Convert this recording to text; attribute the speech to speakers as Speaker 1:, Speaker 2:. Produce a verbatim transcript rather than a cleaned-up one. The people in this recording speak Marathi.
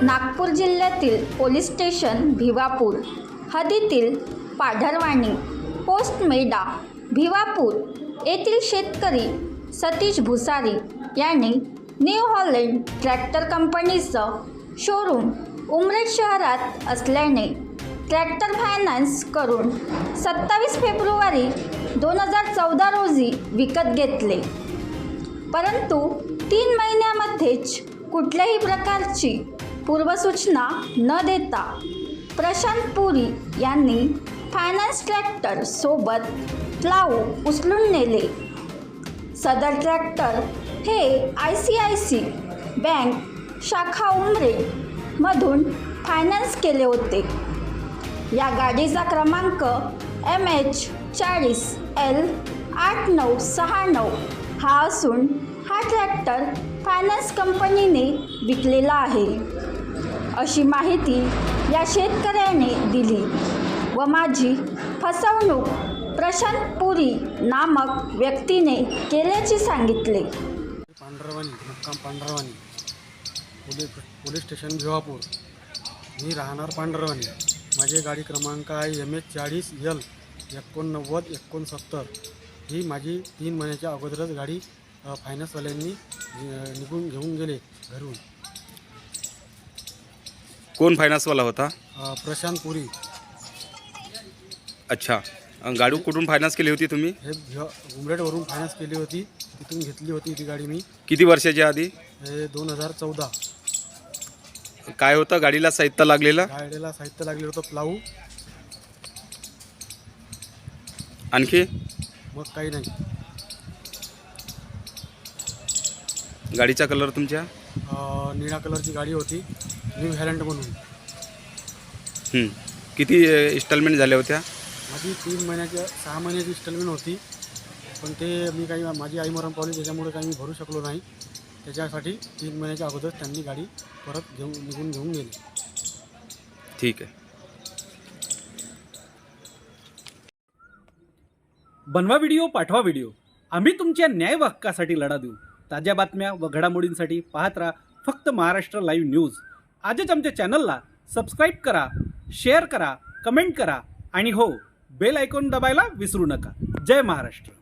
Speaker 1: नागपूर जिल्ह्यातील पोलीस स्टेशन भिवापूर हद्दीतील पाढरवाणी पोस्ट मेढा भिवापूर येथील शेतकरी सतीश भुसारी यांनी न्यू हॉलंड ट्रॅक्टर कंपनीचं शोरूम उमरेड शहरात असल्याने ट्रॅक्टर फायनान्स करून सत्तावीस फेब्रुवारी दोन हजार चौदा रोजी विकत घेतले, परंतु तीन महिन्यामध्येच कुठल्याही प्रकारची पूर्वसूचना न देता प्रशांत पुरी यांनी फायनान्स ट्रॅक्टर सोबत प्लाऊ उचलून नेले। सदर ट्रॅक्टर हे I C I C bank शाखा उमरेड मधून फायनान्स केले होते। या गाडीचा क्रमांक एम एच चाळीस एल आठ नऊ सहा नऊ हा असून हा ट्रॅक्टर फायनान्स कंपनीने विकलेला आहे, अशी माहिती या शेतकऱ्याने दिली व माझी फसवणूक प्रशांत पुरी नामक व्यक्तीने केल्याचे सांगितले।
Speaker 2: पांढरवाणी मुक्काम Pandharwani police police station Bhiwapur. मी राहणार पांढरवाणी। माझे गाडी क्रमांक आहे एम एच चाळीस एल एकोणनव्वद एकोणसत्तर। ही माझी तीन महिन्याच्या अगोदरच गाडी फायनान्सवाल्यांनी निघून घेऊन गेले घरून।
Speaker 3: कोण फायनान्सवाला होता?
Speaker 2: प्रशांत पुरी।
Speaker 3: अच्छा, गाडी कुठून फायनान्स केली होती तुम्ही?
Speaker 2: हे उमरेडवरून फायनान्स केली होती, तिथून घेतली होती ती गाडी मी।
Speaker 3: किती वर्षाच्या आधी?
Speaker 2: हे दोन हजार चौदा।
Speaker 3: काय होतं गाडीला साहित्य लागलेलं?
Speaker 2: गाडीला साहित्य लागलेलं होतं प्लाऊ,
Speaker 3: आणखी
Speaker 2: मग काही नाही।
Speaker 3: गाडीचा कलर तुमच्या?
Speaker 2: निळा कलरची गाडी होती, न्यू हॉलंड म्हणून।
Speaker 3: हं. किती इन्स्टॉलमेंट झाल्या होत्या?
Speaker 2: माझी तीन महिन्याची सहा महिन्याची इन्स्टॉलमेंट होती, पण ते मी काही माझी आई मरण पावली त्याच्यामुळे काही मी भरू शकलो नाही। त्याच्यासाठी तीन महिन्याच्या अगोदर त्यांनी गाडी परत घेऊन निघून घेऊन गेली।
Speaker 3: ठीक आहे।
Speaker 4: बनवा व्हिडिओ, पाठवा व्हिडिओ, आम्ही तुमच्या न्याय व हक्कासाठी लढा देऊ। ताज्या बातम्या व घडामोडींसाठी पाहत राहा फक्त महाराष्ट्र लाईव्ह न्यूज। आजच आमच्या चॅनलला सबस्क्राईब करा, शेअर करा, कमेंट करा आणि हो, बेल आयकॉन दबायला विसरू नका। जय महाराष्ट्र।